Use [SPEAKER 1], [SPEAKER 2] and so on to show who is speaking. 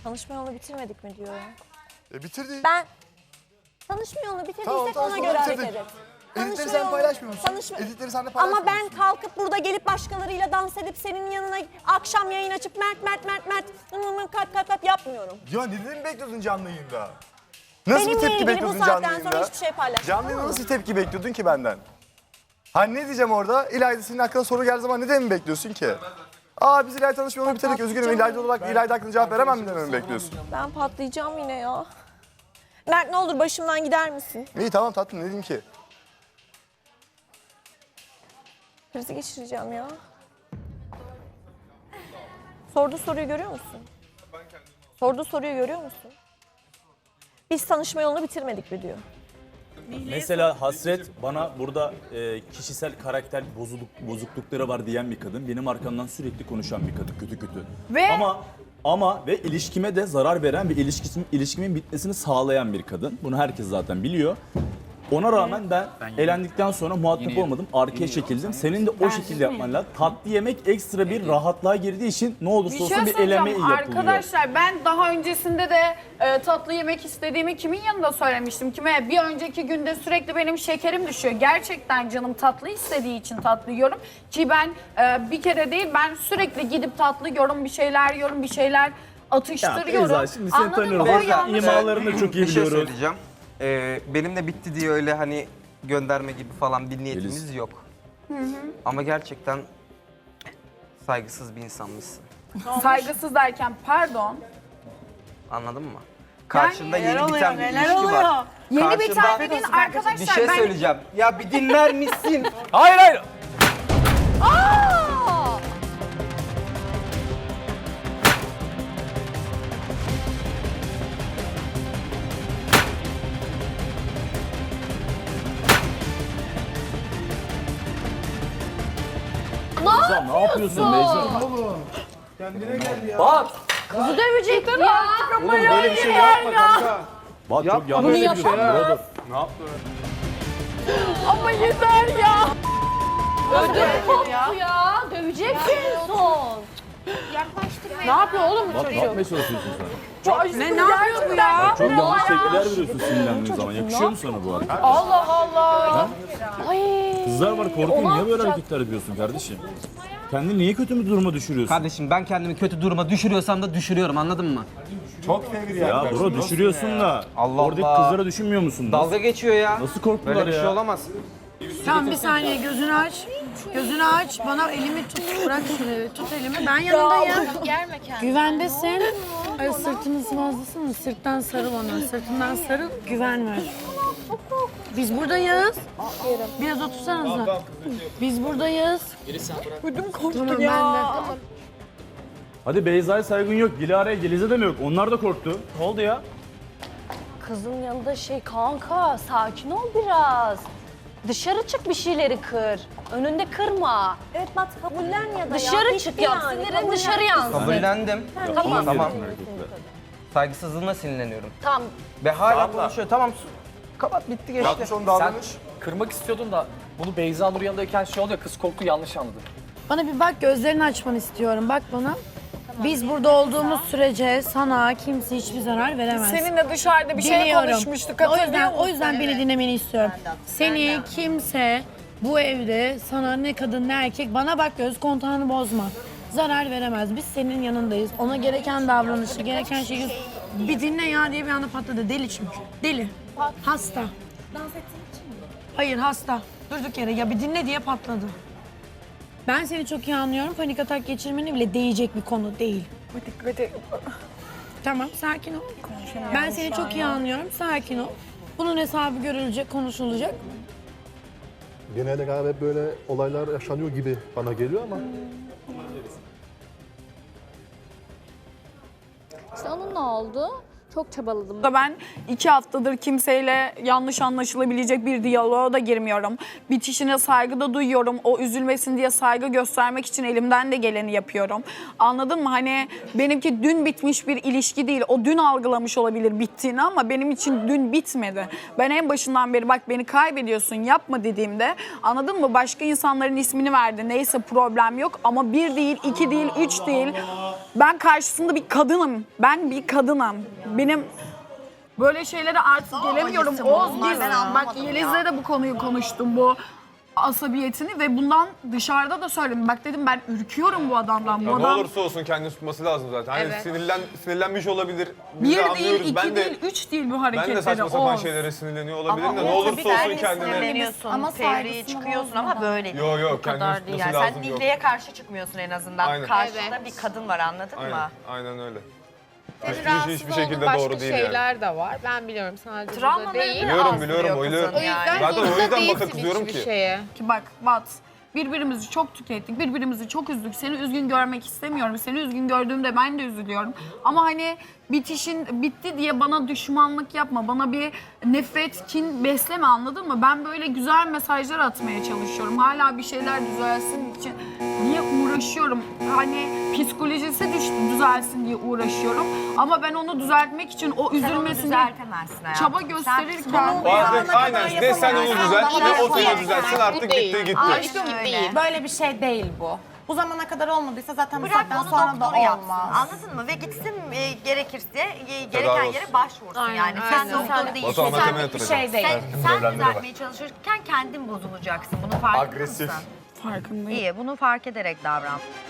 [SPEAKER 1] Tanışma yolunu bitirmedik mi diyor ya.
[SPEAKER 2] Bitirdik.
[SPEAKER 1] Ben tanışma yolunu bitirdiysek ona göre hareket et.
[SPEAKER 2] Editleri sen paylaşmıyor musun? Editleri sen de paylaşmıyor
[SPEAKER 1] Ama ben
[SPEAKER 2] musun?
[SPEAKER 1] kalkıp burada gelip başkalarıyla dans edip senin yanına akşam yayın açıp Mert yapmıyorum.
[SPEAKER 2] Ya neden mi bekliyordun canlı yayında? Nasıl
[SPEAKER 1] Benimle
[SPEAKER 2] bir tepki
[SPEAKER 1] ilgili
[SPEAKER 2] bekliyordun
[SPEAKER 1] bu
[SPEAKER 2] canlı
[SPEAKER 1] saatten
[SPEAKER 2] yayında?
[SPEAKER 1] sonra hiçbir şey paylaşmam.
[SPEAKER 2] Canlı yayında nasıl bir tepki bekliyordun ki benden? Hani ne diyeceğim orada? İlayda senin hakkında soru geldiği zaman neden mi bekliyorsun ki? Biz İlayda tanışma yolunu bitirdik. Üzgünüm İlayda olarak İlayda hakkında cevap veremem mi dememi bekliyorsun?
[SPEAKER 1] Ben patlayacağım yine ya. Mert ne olur başımdan gider misin?
[SPEAKER 2] İyi tamam tatlım ne diyeyim ki?
[SPEAKER 1] Krizi geçireceğim ya. Sorduğu soruyu görüyor musun? Sorduğu soruyu görüyor musun? Biz tanışma yolunu bitirmedik mi diyor.
[SPEAKER 3] Mesela Hasret bana burada kişisel karakter bozuklukları var diyen bir kadın. Benim arkamdan sürekli konuşan bir kadın kötü.
[SPEAKER 4] Ve
[SPEAKER 3] Ama ilişkime de zarar veren ve ilişkimin bitmesini sağlayan bir kadın. Bunu herkes zaten biliyor. Ona rağmen ben elendikten sonra muhatap olmadım. Arkaya çekildim. Senin de o şekilde yapman lazım. Tatlı yemek ekstra bir rahatlığa girdiği için ne olursa olsun bir eleme yapılıyor.
[SPEAKER 4] Arkadaşlar ben daha öncesinde de tatlı yemek istediğimi kimin yanında söylemiştim? Kime? Bir önceki günde sürekli benim şekerim düşüyor. Gerçekten canım tatlı istediği için tatlı yiyorum. Ki ben bir kere değil ben sürekli gidip tatlı yiyorum, bir şeyler yiyorum, bir şeyler atıştırıyorum.
[SPEAKER 3] Beyza, şimdi seni
[SPEAKER 4] Anladın mı?
[SPEAKER 3] tanıyorum.
[SPEAKER 4] O yanlış.
[SPEAKER 3] İmalarını çok iyi
[SPEAKER 5] Bir şey
[SPEAKER 3] biliyoruz.
[SPEAKER 5] söyleyeceğim. Benimle bitti diye öyle hani gönderme gibi falan bir niyetimiz
[SPEAKER 3] Yeliz.
[SPEAKER 5] yok. Ama gerçekten saygısız bir insanmışsın.
[SPEAKER 4] Saygısız derken pardon.
[SPEAKER 5] Anladın mı? Karşında
[SPEAKER 4] neler
[SPEAKER 5] yeni
[SPEAKER 4] oluyor,
[SPEAKER 5] biten bir
[SPEAKER 4] neler
[SPEAKER 5] ilişki
[SPEAKER 4] oluyor?
[SPEAKER 5] var.
[SPEAKER 4] Yeni
[SPEAKER 5] Karşında
[SPEAKER 4] biten dediğin arkadaşlar
[SPEAKER 5] bir şey
[SPEAKER 4] ben...
[SPEAKER 5] söyleyeceğim. Ya bir dinler misin?
[SPEAKER 3] Hayır. Beyza ne yapıyorsun Beyza?
[SPEAKER 1] Kızı dövecek ya.
[SPEAKER 3] Oğlum böyle bir şey yapma kanka. Bak çok yanlış yapıyorsun brother.
[SPEAKER 4] Ama yeter ya.
[SPEAKER 1] Ya döveceksin son.
[SPEAKER 4] Ne yapıyor oğlum bu
[SPEAKER 3] Bak ne
[SPEAKER 4] çocuk?
[SPEAKER 3] yapmaya çalışıyorsun sen?
[SPEAKER 4] Ne yapıyor bu ya?
[SPEAKER 3] Çok yanlış tepkiler veriyorsun sinirlendiğin zaman. Yakışıyor mu sana bu hareket?
[SPEAKER 4] Allah Allah.
[SPEAKER 3] Kızlar var korkuyor. Niye böyle hareketler yapıyorsun kardeşim? Kendini niye kötü bir duruma düşürüyorsun?
[SPEAKER 6] Kardeşim ben kendimi kötü duruma düşürüyorsam da düşürüyorum anladın mı?
[SPEAKER 2] Çok fevri
[SPEAKER 3] Ya bro düşürüyorsun da.
[SPEAKER 5] Allah
[SPEAKER 3] Oradaki
[SPEAKER 5] Allah.
[SPEAKER 3] kızlara düşünmüyor musun?
[SPEAKER 5] Dalga geçiyor ya.
[SPEAKER 3] Nasıl korktular
[SPEAKER 5] Böyle bir
[SPEAKER 3] ya?
[SPEAKER 5] şey olamaz.
[SPEAKER 7] Tamam bir saniye gözünü aç. Gözünü aç. Bana elimi tut. Bırak şurayı. Tut elimi. Ben yanındayım. Güvendesin. Ay sırtını sıvazlasana. Sırttan sarıl ona. Sırtından sarıl. Güven ver. Biz buradayız. Biraz otursanıza. Biz buradayız. Ödüm korktu tamam, ya. Ben de.
[SPEAKER 3] Hadi Beyza'ya saygın yok. Dilara'ya Geliz'e de mi yok? Onlar da korktu. Ne oldu ya?
[SPEAKER 1] Kızın yanında kanka sakin ol biraz. Dışarı çık bir şeyleri kır. Önünde kırma. Evet bak kabullen ya da dışarı çık yap. Sinirin dışarı yansın.
[SPEAKER 5] Kabullendim.
[SPEAKER 1] Tamam.
[SPEAKER 5] Tamam. Saygısızlığına sinirleniyorum.
[SPEAKER 1] Tamam.
[SPEAKER 5] Ve hala konuşuyor. Tamam kapat bitti geçti.
[SPEAKER 2] Yapmış onu davranış.
[SPEAKER 8] Kırmak istiyordun da bunu Beyza Nur yanındayken şey oluyor, kız korktu yanlış anladı.
[SPEAKER 7] Bana bir bak gözlerini açmanı istiyorum. Bak bana. Biz burada olduğumuz sürece sana kimse hiçbir zarar veremez.
[SPEAKER 4] Seninle dışarıda bir şey
[SPEAKER 7] Biliyorum.
[SPEAKER 4] konuşmuştuk.
[SPEAKER 7] O yüzden beni dinlemeni istiyorum. Seni kimse bu evde sana ne kadın ne erkek bana bak göz kontağını bozma. Zarar veremez. Biz senin yanındayız. Ona gereken davranışı, gereken şeyi bir dinle ya diye bir anda patladı. Deli çünkü. Deli. Hasta. Dans ettiğin için mi? Hayır hasta. Durduk yere ya bir dinle diye patladı. Ben seni çok iyi anlıyorum. Panik atak geçirmeni bile değecek bir konu değil. Tamam, sakin ol. Ben seni çok iyi anlıyorum. Sakin ol. Bunun hesabı görülecek, konuşulacak.
[SPEAKER 9] Genelde galiba hep böyle olaylar yaşanıyor gibi bana geliyor ama
[SPEAKER 10] İşte onun ne oldu? Çok çabaladım.
[SPEAKER 4] Ben 2 haftadır kimseyle yanlış anlaşılabilecek bir diyaloğa da girmiyorum. Bitişine saygı da duyuyorum. O üzülmesin diye saygı göstermek için elimden de geleni yapıyorum. Anladın mı? Hani benimki dün bitmiş bir ilişki değil. O dün algılamış olabilir bittiğini ama benim için dün bitmedi. Ben en başından beri bak beni kaybediyorsun yapma dediğimde anladın mı? Başka insanların ismini verdi. Neyse problem yok ama 1 değil, 2 değil, 3 değil. Ben karşısında bir kadınım. Ben bir kadınım. Benim böyle şeylere artık gelemiyorum. Oğuz biz bak Yeliz'le de bu konuyu konuştum. Bu asabiyetini ve bundan dışarıda da söyledim. Bak dedim ben ürküyorum bu adamdan. Bu
[SPEAKER 11] Ne
[SPEAKER 4] adam
[SPEAKER 11] olursa olsun kendini tutması lazım zaten. Hani sinirlenmiş olabilir. Biz
[SPEAKER 4] 1
[SPEAKER 11] de
[SPEAKER 4] değil,
[SPEAKER 11] anlıyoruz.
[SPEAKER 4] 2 değil, 3 değil bu
[SPEAKER 11] Ben
[SPEAKER 4] hareketleri.
[SPEAKER 11] de saçma sapan
[SPEAKER 4] Oğuz.
[SPEAKER 11] şeylere sinirleniyor olabilirim de ne olursa olsun kendine.
[SPEAKER 12] Sinirleniyorsun,
[SPEAKER 7] Ama
[SPEAKER 12] fevriye
[SPEAKER 7] saygısını
[SPEAKER 12] çıkıyorsun ama böyle değil.
[SPEAKER 11] Yok
[SPEAKER 12] Bu kadar değil.
[SPEAKER 11] tutması
[SPEAKER 12] Yani
[SPEAKER 11] lazım.
[SPEAKER 12] sen
[SPEAKER 11] Yok.
[SPEAKER 12] Nihle'ye karşı çıkmıyorsun en azından.
[SPEAKER 11] Aynen.
[SPEAKER 12] Karşında bir kadın var anladın mı?
[SPEAKER 11] Aynen öyle.
[SPEAKER 10] Hiçbir şekilde doğru değil şeyler de var. Ben biliyorum sadece bu da
[SPEAKER 12] Travmaları
[SPEAKER 10] değil.
[SPEAKER 11] Biliyorum biliyorum
[SPEAKER 12] biliyorum.
[SPEAKER 11] oyluyorum.
[SPEAKER 10] O yüzden
[SPEAKER 11] Zaten o
[SPEAKER 10] zorunda
[SPEAKER 11] yüzden
[SPEAKER 10] değilsin
[SPEAKER 11] bakın kızıyorum
[SPEAKER 10] hiçbir
[SPEAKER 11] ki.
[SPEAKER 10] şeye.
[SPEAKER 4] Ki bak Bat, birbirimizi çok tükettik, birbirimizi çok üzdük. Seni üzgün görmek istemiyorum. Seni üzgün gördüğümde ben de üzülüyorum. Ama hani bitişin bitti diye bana düşmanlık yapma. Bana bir nefret, kin besleme anladın mı? Ben böyle güzel mesajlar atmaya çalışıyorum. Hala bir şeyler düzelsin için diye uğraşıyorum. Hani psikolojisi düzelsin diye uğraşıyorum. Ama ben onu düzeltmek için o üzülmesin diye
[SPEAKER 12] düzeltemezsin hayatım.
[SPEAKER 4] çaba gösterirken...
[SPEAKER 11] Bazen aynen ne sen onu düzelt ne o seni düzeltsin artık gitti gitti.
[SPEAKER 12] Aşkım değil.
[SPEAKER 13] Böyle bir şey değil bu. Bu zamana kadar olmadıysa zaten bu
[SPEAKER 12] Bırak
[SPEAKER 13] saatten
[SPEAKER 12] onu
[SPEAKER 13] sonra da
[SPEAKER 12] doktoru yapsın.
[SPEAKER 13] olmaz.
[SPEAKER 12] Anladın mı? Ve gitsin gerekirse gereken
[SPEAKER 11] olsun.
[SPEAKER 12] yere başvursun
[SPEAKER 10] Aynen,
[SPEAKER 12] yani.
[SPEAKER 10] aynen.
[SPEAKER 12] Sen doktor değilsin.
[SPEAKER 11] Batuhan mahkemeye
[SPEAKER 12] Sen,
[SPEAKER 11] oturacak.
[SPEAKER 13] şey değil.
[SPEAKER 12] sen düzeltmeye çalışırken kendin bozulacaksın. Bunu farkında
[SPEAKER 2] Agresif.
[SPEAKER 12] mısın?
[SPEAKER 4] Farkındayım.
[SPEAKER 12] İyi, bunu fark ederek davran.